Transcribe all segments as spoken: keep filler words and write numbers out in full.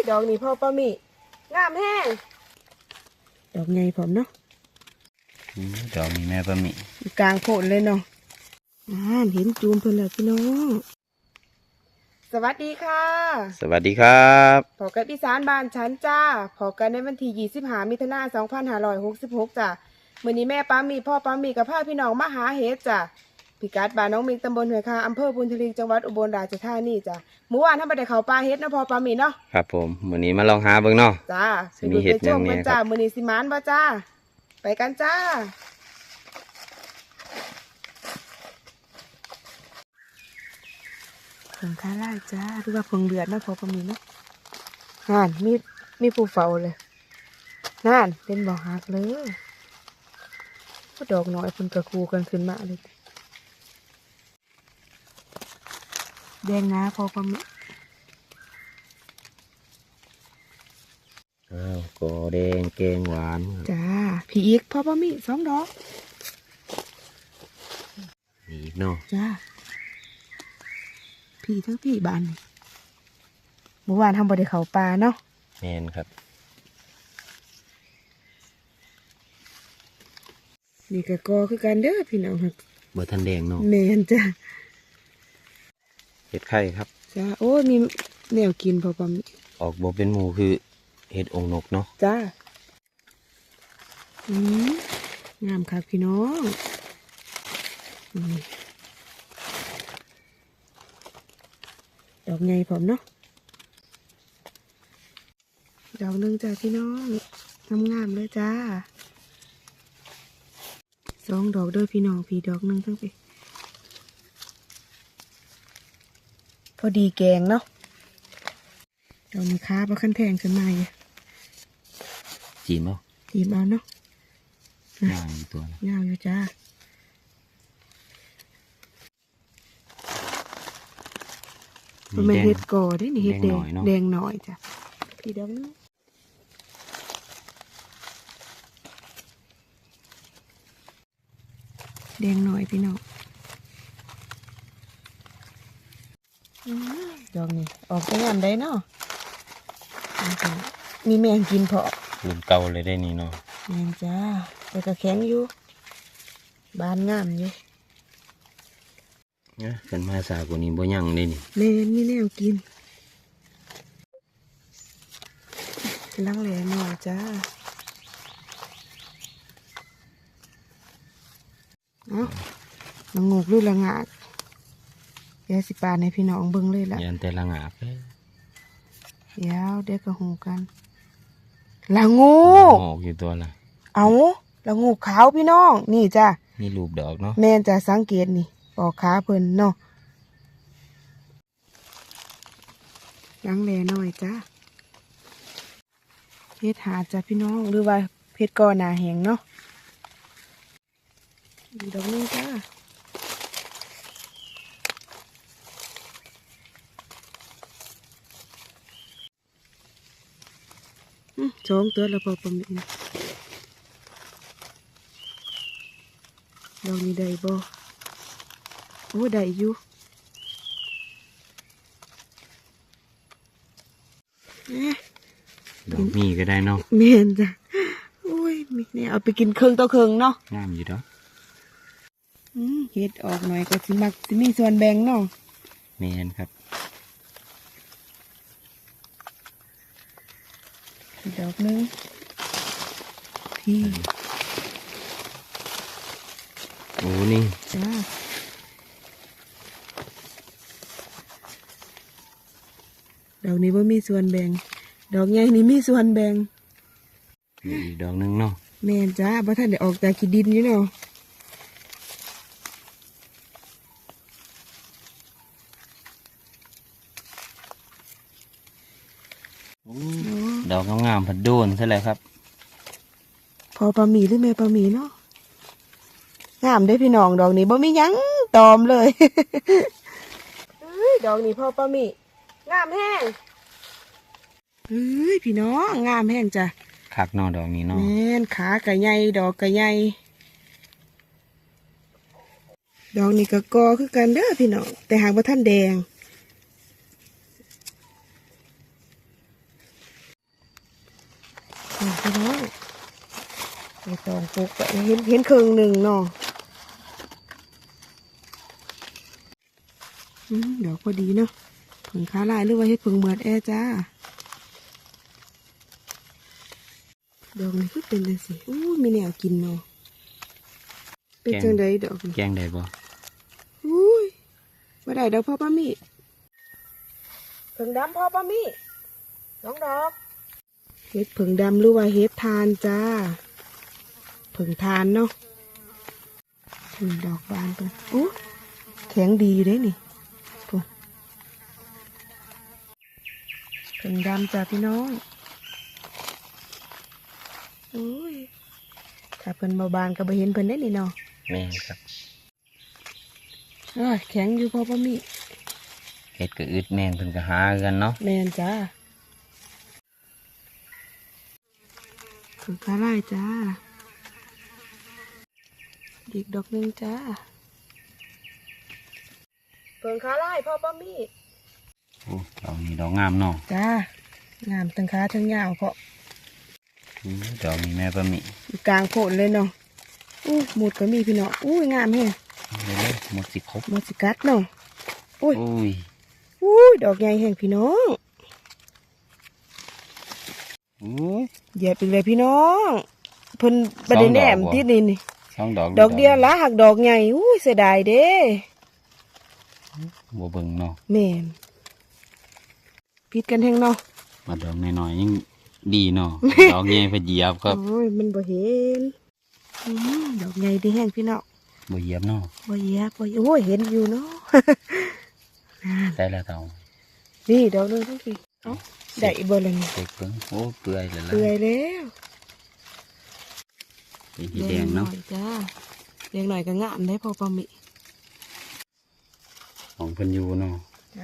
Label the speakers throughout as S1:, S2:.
S1: ดอกนี่พ่อป้ามีงามแห้งดอกใหญ่ผมเนาะ
S2: ดอกนี้แม่ป้ามี
S1: กลางโพดเลยเนาะอ่าเห็นจูมเพิ่นแล้วพี่น้องสวัสดีค่ะ
S2: สวัสดีครับ
S1: พอกันอีสานบ้านฉันจ้าพอกันในวันที่ยี่สิบห้ามิถุนายนสองพันห้าร้อยหกสิบหกจ้ามื้อนี้แม่ป้ามีพ่อป้ามีกับพาพี่น้องมาหาเห็ดจ้าพิกัดบ้านน้องมิงตำบลห้วยคาอำเภอบุญทลิงจังหวัดอุบลราชธานีจ้าเมื่อวานท่านไปได้เข้าป่าเห็ดนะพ่อป้ามีเนาะ
S2: ครับผมมื้อนี้มาลองหาเบิ่งเนาะ
S1: จ้ามีเห็ดยังไงจ้ามื้อนี้สิมานบ่จ้าไปกันจ้าเพิ่งค้าไล่จ้าหรือว่าเพิ่งเดือดนะพ่อป้ามีเนาะนั่นมีมีผู้เฝ้าเลยนั่นเป็นบ่อหักเลยก็ดอกน้อยเพิ่นกระคูกันขึ้นมาเลยแดงนะพ่อป้ามี
S2: อ้าวกอแดงแกงหวาน
S1: จ้าพี่อีกพ่อป้ามีสองดอก
S2: อีกเนาะ
S1: จ้าพี่ทั้งพี่บ้านเมื่อวานทำบ่ได้เข้าป่าเนาะ
S2: แม่นครับ
S1: นี่ก็กอคือกันเด้อพี่น้องครับ
S2: บ่ทันแดงเนาะ
S1: แม่นจ้า
S2: เห็ดไข่ครับ
S1: จ้าโอ้ยมีแนวกินพ่อป้ามี
S2: ออกบ่เป็นหมูคือเห็ดองนกเนาะ
S1: จ้าอืมงามครับพี่น้องดอกใหญ่ผมเนาะดอกหนึ่งจ้าพี่น้องงามๆเลยจ้าสองดอกด้วยพี่น้องพี่ดอกหนึ่งทั้งไปพอดีแกงเนาะดอกนี้ค้าประคันแทงขึ้นมาเลย
S2: จีมเอา
S1: จีมเอาเนาะ
S2: งามอยู่ตัว
S1: งามอยู่จ้ามันเป็นเห็ดก่อได้นี่เห็ดแดงแดงหน่อยจ้ะพี่ดอกนี้แดงหน่อยพี่น้องดอกนี้ออกไปงานได้เนาะมีแมงกินเพาะ
S2: รุ่นเก่าเลยได้นี่เนาะ
S1: แมงจ้าแต่ก็แข็งอยู่บานงามอยู่
S2: เนี่ยเป็นมาสากว่านี้บ่ยังเลยนี่
S1: แมงมีแนวกินลังแหล่หน่อยจ้าเนาะละงกหรือละงากเดี๋ยวสิปาในพี่น้องเบิ่งเลยละ
S2: ยันแต่ละงากเลย
S1: เดี๋ยวเด็กก็หูกันละงู
S2: ออกอยู่ตัวละ
S1: เอาละงูขาวพี่น้องนี่จ้า
S2: มีรูปดอกเนาะ
S1: แม่นจะสังเกตนี่ปอกขาเพิ่นเนาะลังแลหน่อยจ้าเพชรหาจ้าพี่น้องหรือว่าเพชรกอหนาแหงเนาะดอกนี้จ้าสองตัวแล้วพอประมาณดอกนี้ได้บ่โอ้ได้อยู่
S2: ดอกมีก็ได้เนาะ
S1: แม่นจ้ะโอ้ยเนี่ยเอาไปกินเครื่องต่อเครื่องเนาะ
S2: งามอยู่เนาะ
S1: เฮ็ดออกหน่อยก็สิมักสิมีส่วนแบ่งเนาะ
S2: แม่นครับ
S1: ดอกนึงพี่
S2: โอ้นี่
S1: จ้าดอกนี้ว่ามีส่วนแบ่งดอกใหญ่นี่มีส่วนแบ่ง
S2: มีอีกดอกนึงเนาะ
S1: แม่นจ้าเพราะท่านได้ออกจากขี้ดินอยู่เนาะ
S2: ดอกงามๆผัดโดนใช่เลยครับ
S1: พอปลาหมีหรือแม่ปลาหมีเนาะงามได้พี่น้องดอกนี้บ่มียังตอมเลยดอกนี้พอปลาหมีงามแห้งเฮ้ยพี่น้องงามแห้งจ้ะ
S2: คักนอดอกนี้เนาะ
S1: แม่นขากระใหญ่ดอกกระใหญ่ดอกนี้ก็กอคือกันเด้อพี่น้องแต่หากว่าท่านแดงนี่พี่น้องไปตองปลูกไปเห็นเห็นครึ่งหนึ่งเนาะอืมดอกพอดีเนาะผึ่งค้าลายหรือว่าเฮ็ดผึ่งเหมือดแอจ้าดอกนี้ก็เป็นจังสิอู้มีแนวกินเนาะเป็นจังไดดอกนี้
S2: แกงได้บ่
S1: อุ้ยมาได้ดอกพ่อป้ามี่ผึ่งดำพ่อป้ามี่น้องดอกเฮ็ดผึ่งดำหรือว่าเฮ็ดทานจ้าผึ่งทานเนาะผึ่งดอกบานกันอู้แข็งดีอยู่เด้นี่พุ่นผึ่งดำจ้าพี่น้องอุ้ยถ้าเพิ่นมาบานก็บ่เห็นเพิ่นได้นี่เนาะ
S2: แม่นครับ
S1: เอ้ยแข็งอยู่พ่อป้ามี่
S2: เฮ็ดก็อึดแม่นเพิ่นก็หากันเนาะ
S1: แมนจ้าผึ่งค้าไล่จ้าอีกดอกหนึ่งจ้าผึ่งค้าไล่พ่อป้ามี่
S2: โอ้ดอกนี้ดอกงามเนาะ
S1: จ้างามทั้งขาทั้งยาวเพราะ
S2: อู้ดอกนี้แม่ปะมิ
S1: อยู่กลางโพดเลยเนาะอู้หมุดก็มีพี่เนาะอู้ยงามแฮง
S2: เร็วๆหมดสิครบ
S1: หมดสิกัดเนาะอุ้ย
S2: อุ้ย
S1: อู้ยดอกใหญ่แฮงพี่น้อง
S2: อุ้ย
S1: เหยียบอีกเลยพี่น้องเพิ่นประเด็นแหนม
S2: สองดอกบ่
S1: ที่นี่นี่
S2: สองดอก
S1: ดอกเดียวละหักดอกใหญ่อู้ยเสียดายเด้
S2: บ่เบิ่งเนาะ
S1: แม่นพิดกันแฮงเนาะ
S2: มาดอกน้อยๆยังดีเนาะ ดอกใหญ่ไปเหยียบครับ
S1: โอ้ยมันบ่เห็นอืมดอกใหญ่ดีแห้งพี่น้อง
S2: บ่เหยียบเนาะ
S1: บ่เหยียบบ่เหยียบโอ้ยเห็นอยู่เนาะ
S2: ได้แล้วเต่า
S1: นี่ดอกหนึงทั้งพี่เอ้าได้อีกบ่ละนี่
S2: เด็กเบิ่งโอ้เปื่อยแล้วล่ะ
S1: เปื่อยแล้ว
S2: เป็นสีแดงเนาะ
S1: หอยจ้าแดงหน่อยก็งามได้พอปลาหมิ
S2: ของเพิ่นอยู่เนาะ
S1: จ้า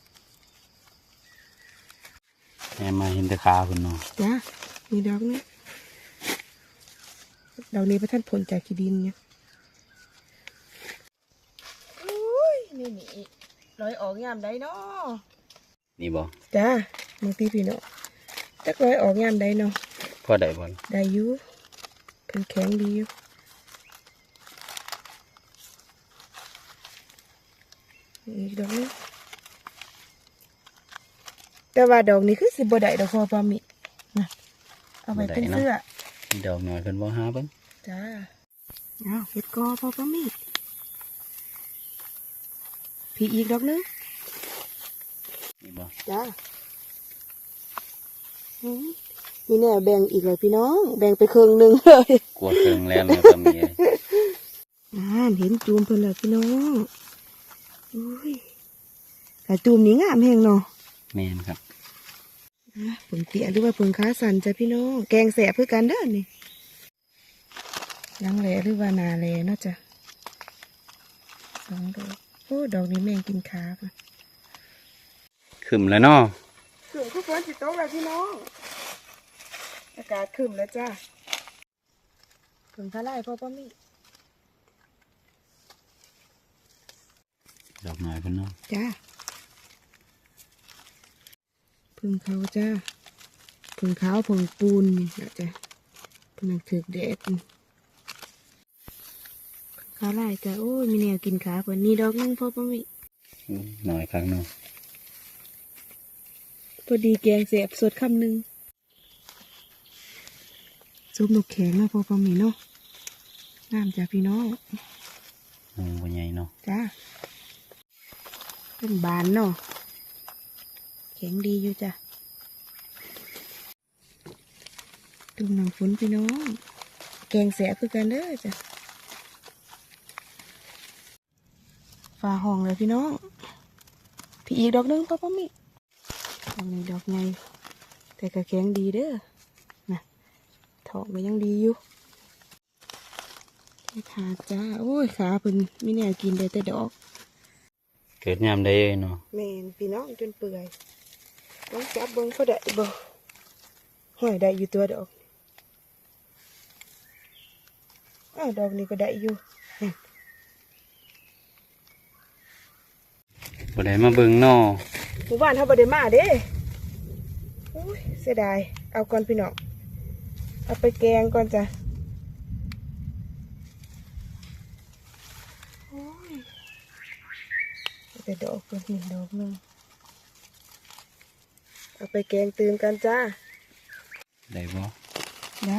S2: แม่มาเห็นแต่ขาเพิ่นเนาะ
S1: จ้ามีดอกนี้ดอกนี้พระท่านผลจากขี้ดินเนี่ยโอ้ยนี่นี่ร้อยออกยามได้เนาะ
S2: นี่บ่
S1: จ้าบางทีพี่เนาะจักร้อยออกยามได้เนาะ
S2: พอได้บ่
S1: ได้อยู่เป็นแข็งดีอยู่อีกดอกนึงแต่ว่าดอกนี้คือสิบ่ได้ดอกพอปลาหมินะเอาไปเป็นเสื้อ
S2: มีดอกน้อยเพิ่นบ่หาเบิ่ง
S1: จ้าเอาเห็ดกอพอปลาหมิพี่อีกดอกนึง
S2: นี่บ่
S1: จ้าอืมมีแน่แบ่งอีกเลยพี่น้อง แบ่งไปครึ่งหนึ่งเลย
S2: กลัวเครื่องแล้วแม่ปะมิเอ้ย
S1: อ่าเห็นจูมเพิ่นแล้วพี่น้องอุ้ยแต่จูมนี้งามแหงเนาะ
S2: แม่นครับ
S1: อ่ะผงเตี้ยหรือว่าผงขาสันจ้ะพี่น้อง แกงแสบเพื่อกันเด้อนี่ยังแหลหรือว่านาแหลเนาะจ้ะสองดอกโอ้ดอกนี้แม่งกินขาค่ะ
S2: ขึ้นแล้วเนาะ
S1: ขึ้นคือฝนสิตกแล้วพี่น้องอากาศขึ้นแล้วจ้าผงขาไล่พ่อป้ามี่
S2: ดอกน้อยเพิ่นเนาะ
S1: จ้าผึ่งเขาจ้าผึ่งขาวผึ่งปูนนี่นะจ้ะผึ่งถือแดดนี่ขาไล่จ้าโอ้ยมีแนวกินขาเพิ่นนี่ดอกหนึงพ่อป้ามี่
S2: อู้น้อยครั้งเนาะ
S1: พอดีแกงเสียบสดคำหนึ่งซุปนกแข็งแล้วพอประมีเนาะน้ำจากพี่น้อง
S2: อืมบ่ใหญ่เนาะ
S1: จ้าเป็นบานเนาะแข็งดีอยู่จ้ะตุ่มหนังฝนพี่น้อง แกงแสบคือกันเด้อจ้ะฝ่าห้องเลยพี่น้องพี่อีกดอกหนึงพอประมีดอกนี้ดอกไงแต่ก็แข็งดีเด้อนะทองก็ยังดีอยู่ขาจ้าโอ้ยขาเพิ่นไม่แน่กินได้แต่ดอก
S2: เกิดยามใดเอ้ยเนาะ
S1: แม่นพี่น้องจนเปื่อยต้องจับเบิ้งเขาได้บ่ห้อยได้อยู่ตัวดอกอ้าวดอกนี้ก็ได้อยู่นี่
S2: บ่ได้มาเบิ่งเนาะ
S1: หมู่บ้านเขาบ่ได้มาเด้โอ้ยเสียดายเอาก่อนพี่น้องเอาไปแกงก่อนจ้ะโอ้ยแต่ดอกตัวนี้ดอกหนึงเอาไปแกงตื่นกันจ้า
S2: ได้บ่
S1: ได้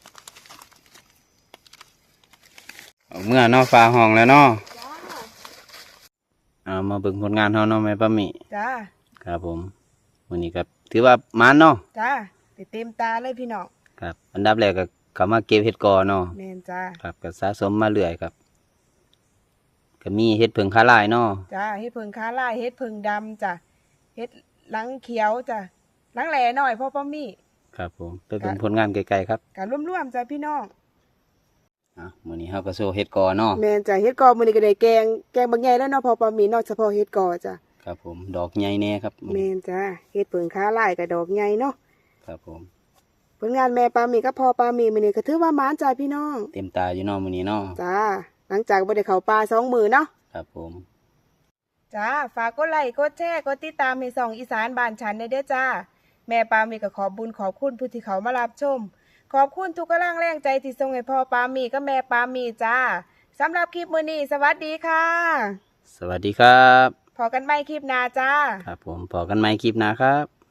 S2: เอาเมื่อเนาะฟ้าห้องแล้วเนาะ
S1: จ้า
S2: เอามาเบิ่งผลงานเฮาเนาะแม่ป้าหมี
S1: จ้า
S2: ครับผมวันนี้ก็ถือว่ามันเนาะ
S1: จ้าติดเต็มตาเลยพี่น้อง
S2: ครับอันดับแรกก็เข้ามาเก็บเห็ดกอเนาะ
S1: แมนจ้า
S2: ครับก็สะสมมาเรื่อยครับก็มีเห็ดเผิงคาลายเนาะ
S1: จ้าเฮ็ดเพิงค้าลายเฮ็ดเพิงดำจ้ะเฮ็ดหลังเขียวจ้ะหลังแหล่หน่อยพ่อป้ามี่
S2: ครับผมไปเบิ่งผลงานไกลๆครับ
S1: การร่วมๆจ้ะพี่น้อง
S2: อ่ะมื้อนี้เฮาก็โซเห็ดกอเนาะ
S1: แมนจ้ะเฮ็ดกอมื้อนี้ก็ได้แกงแกงบางใหญ่แล้วเนาะพ่อป้ามี่เนาะเฉพาะเฮ็ดกอจ้ะ
S2: ครับผมดอกใหญ่แน่ครับ
S1: แมนจ้ะเฮ็ดเพิงค้าลายกับดอกใหญ่เนาะ
S2: ครับผม
S1: ผลงานแม่ป้ามี่กับพ่อป้ามี่มื้อนี้ก็ถือว่าหมานจ้ะพี่น้อง
S2: เต็มตาอยู่เนาะมื้อนี้เนาะ
S1: จ้าหลังจากบ่ได้เข้าป่าสองมื้อเนาะ
S2: ครับผม
S1: จ้าฝากกดไลค์กดแชร์กดติดตามให้ส่องอีสานบ้านฉันได้เด้อจ้าแม่ปามีก็ขอบบุญขอบคุณผู้ที่เขามารับชม ขอบคุณทุกกำลังแรงใจที่ส่งให้พ่อปามีกับแม่ปามีจ้าสำหรับคลิปมื้อนี้สวัสดีค่ะ
S2: สวัสดีครับ
S1: พอกันใหม่คลิปหน้าจ้า
S2: ครับผมพอกันใหม่คลิปหน้าครับ